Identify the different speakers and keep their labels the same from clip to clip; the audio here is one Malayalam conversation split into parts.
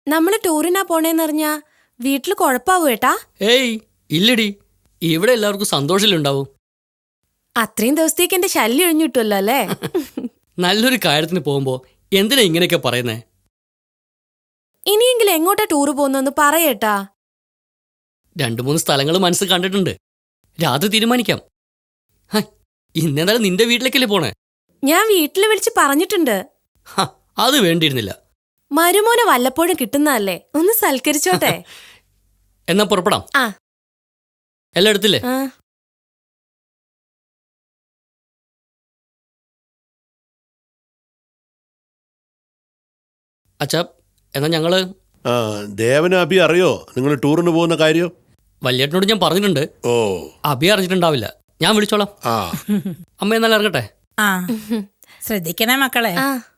Speaker 1: നമ്മള് ടൂറിനാ പോണേന്നറിഞ്ഞാ വീട്ടില് കൊഴപ്പാവൂ ഏട്ടാ?
Speaker 2: ഏയ് ഇല്ലടി, ഇവിടെ എല്ലാവർക്കും സന്തോഷത്തിലുണ്ടാവും.
Speaker 1: അത്രയും ദിവസത്തേക്ക് എന്റെ ശല്യം ഒഴിഞ്ഞിട്ടുമല്ലോ അല്ലേ?
Speaker 2: നല്ലൊരു കാര്യത്തിന് പോകുമ്പോ എന്തിനാ ഇങ്ങനെയൊക്കെ പറയുന്നേ?
Speaker 1: ഇനിയെങ്കിലും എങ്ങോട്ടാ ടൂറ് പോകുന്നൊന്ന് പറയേട്ടാ.
Speaker 2: 2-3 സ്ഥലങ്ങൾ മനസ്സിൽ കണ്ടിട്ടുണ്ട്. രാത്രി തീരുമാനിക്കാം. ഇന്നെന്തായാലും നിന്റെ വീട്ടിലേക്കല്ലേ പോണേ?
Speaker 1: ഞാൻ വീട്ടില് വിളിച്ച് പറഞ്ഞിട്ടുണ്ട്.
Speaker 2: അത് വേണ്ടിയിരുന്നില്ല.
Speaker 1: മരുമോനെ വല്ലപ്പോഴും കിട്ടുന്നതല്ലേ, ഒന്ന് സൽക്കരിച്ചോട്ടെ.
Speaker 2: എന്നാ പുറപ്പെടാം.
Speaker 1: ആ
Speaker 2: എല്ലാം എടുത്തില്ലേ? അച്ഛാ, എന്നാ ഞങ്ങള്
Speaker 3: ദേവന് അഭി അറിയോ നിങ്ങൾ ടൂറിന് പോകുന്ന കാര്യം?
Speaker 2: വല്യേട്ടനോട് ഞാൻ പറഞ്ഞിട്ടുണ്ട്.
Speaker 3: ഓ,
Speaker 2: അഭി അറിഞ്ഞിട്ടുണ്ടാവില്ല. ഞാൻ വിളിച്ചോളാം. അമ്മ എന്നാലും ഇറങ്ങട്ടെ.
Speaker 4: ശ്രദ്ധിക്കണേ മക്കളെ.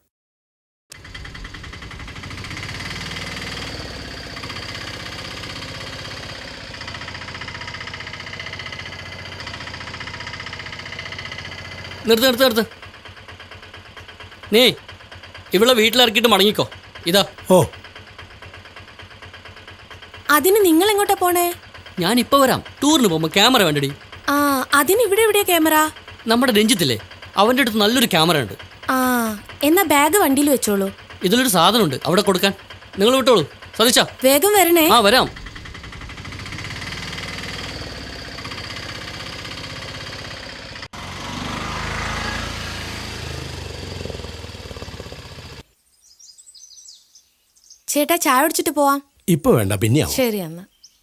Speaker 2: നിർത്ത്. നീ ഇവിടെ വീട്ടിലിറക്കിയിട്ട് മടങ്ങിക്കോ. ഇതാ.
Speaker 5: ഓ,
Speaker 1: അതിന് നിങ്ങൾ എങ്ങോട്ടാ പോണേ?
Speaker 2: ഞാൻ ഇപ്പൊ വരാം. ടൂറിന് പോകുമ്പോ ക്യാമറ വേണ്ടടി.
Speaker 1: ആ, അതിന് ഇവിടെ എവിടെയാ ക്യാമറ?
Speaker 2: നമ്മുടെ രഞ്ജിത്തില്ലേ, അവന്റെ അടുത്ത് നല്ലൊരു ക്യാമറ ഉണ്ട്.
Speaker 1: ആ, എന്നാ ബാഗ് വണ്ടിയിൽ വെച്ചോളൂ.
Speaker 2: ഇതിലൊരു സാധനമുണ്ട് അവിടെ കൊടുക്കാൻ. നിങ്ങൾ വിട്ടോളൂ. സതീശ,
Speaker 1: വേഗം വരണേ.
Speaker 2: ആ വരാം.
Speaker 1: ചേട്ടാ, ചായ കുടിച്ചിട്ട് പോവാം.
Speaker 5: ഇപ്പൊ വേണ്ട, പിന്നെയാവും.
Speaker 1: ശരി എന്നാ.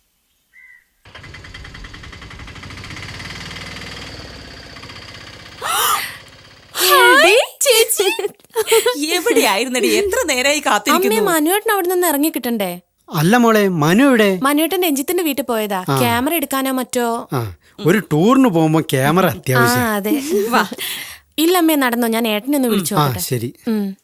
Speaker 4: എവിടെയായിരുന്നടി? എത്ര നേരമായി കാത്തിരിക്കുന്നു.
Speaker 1: മനുവേട്ടൻ അവിടെ നിന്ന് ഇറങ്ങി കിട്ടണ്ടേ?
Speaker 5: അല്ല മോളെ, മനു എവിടെ?
Speaker 1: മനുവേട്ടൻ രഞ്ജിത്തിന്റെ വീട്ടിൽ പോയതാ. ക്യാമറ എടുക്കാനോ മറ്റോ.
Speaker 5: ഒരു ടൂറിന് പോകുമ്പോ ക്യാമറ അത്യാവശ്യം.
Speaker 1: അതെ. ഇല്ലമ്മേ, നടന്നോ, ഞാൻ ഏട്ടനൊന്ന് വിളിച്ചു.
Speaker 5: ശരി.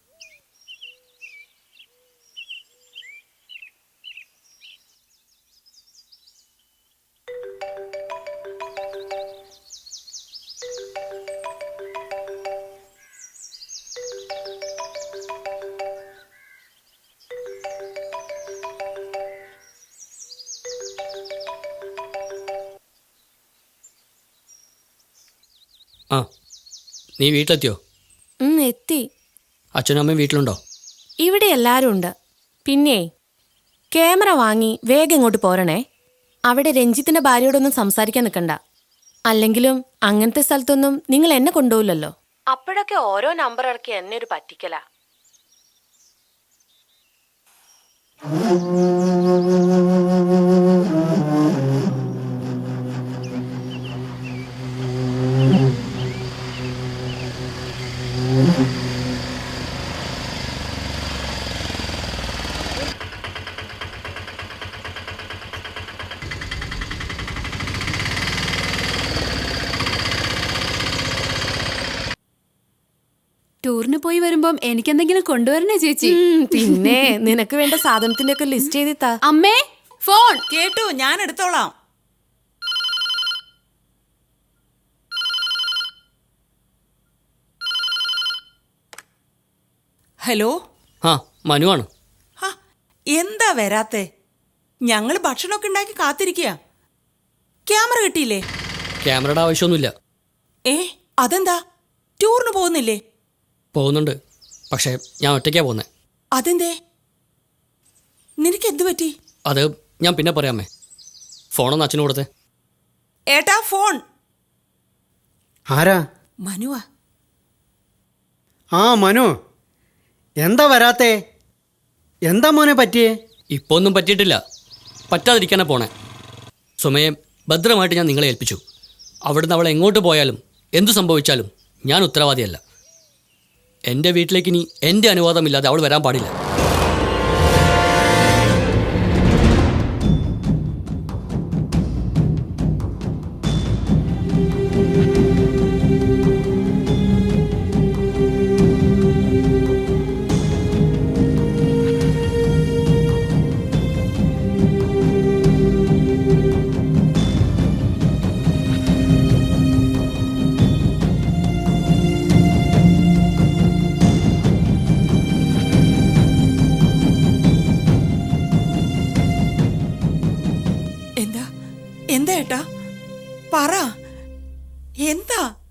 Speaker 2: ആ, നീ വീട്ടിലെത്തിയോ?
Speaker 1: എത്തി.
Speaker 2: അച്ഛനും അമ്മയും വീട്ടിലുണ്ടോ?
Speaker 1: ഇവിടെ എല്ലാരും ഉണ്ട്. പിന്നെ ക്യാമറ വാങ്ങി വേഗം ഇങ്ങോട്ട് പോരണേ. അവിടെ രഞ്ജിത്തിന്റെ ഭാര്യയോടൊന്നും സംസാരിക്കാൻ നിൽക്കണ്ട. അല്ലെങ്കിലും അങ്ങനത്തെ സ്ഥലത്തൊന്നും നിങ്ങൾ എന്നെ കൊണ്ടുപോകില്ലല്ലോ. അപ്പോഴൊക്കെ ഓരോ നമ്പർ ഇറക്കി എന്നെ ഒരു പറ്റിക്കലാ.
Speaker 6: ടൂറിന് പോയി വരുമ്പം എനിക്കെന്തെങ്കിലും കൊണ്ടുവരണേ ചേച്ചി.
Speaker 1: പിന്നെ നിനക്ക് വേണ്ട സാധനത്തിന്റെ ഒക്കെ ലിസ്റ്റ് ചെയ്തിട്ടാ.
Speaker 6: അമ്മേ, ഫോൺ.
Speaker 4: കേട്ടു, ഞാൻ എടുത്തോളാം. ഹലോ.
Speaker 2: ആ, മനുവാണ്.
Speaker 4: എന്താ വരാത്തെ? ഞങ്ങള് ഭക്ഷണമൊക്കെ ഉണ്ടാക്കി കാത്തിരിക്കുക. ക്യാമറ കിട്ടിയില്ലേ?
Speaker 2: ക്യാമറയുടെ ആവശ്യമൊന്നുമില്ല.
Speaker 4: അതെന്താ, ടൂറിന് പോകുന്നില്ലേ?
Speaker 2: പോകുന്നുണ്ട്, പക്ഷേ ഞാൻ ഒറ്റയ്ക്കാ പോകുന്നേ.
Speaker 4: അതെന്തേ? നിനക്ക് എന്ത് പറ്റി?
Speaker 2: അത് ഞാൻ പിന്നെ പറയാമേ. ഫോണൊന്ന് അച്ഛന് കൊടുത്തേ.
Speaker 4: ഏട്ടാ, ഫോൺ.
Speaker 5: ആരാ?
Speaker 4: മനുവാ.
Speaker 5: മനു, എന്താ വരാത്തേ? എന്താ മോനെ പറ്റിയേ?
Speaker 2: ഇപ്പൊ ഒന്നും പറ്റിയിട്ടില്ല, പറ്റാതിരിക്കാനാ പോണേ. സുമയെ ഭദ്രമായിട്ട് ഞാൻ നിങ്ങളെ ഏൽപ്പിച്ചു. അവിടുന്ന് അവൾ എങ്ങോട്ട് പോയാലും എന്തു സംഭവിച്ചാലും ഞാൻ ഉത്തരവാദിയല്ല. എൻ്റെ വീട്ടിലേക്ക് ഇനി എൻ്റെ അനുവാദമില്ലാതെ അവൾ വരാൻ പാടില്ല.
Speaker 4: എന്താ എന്താ ഏട്ടാ പറ എന്താ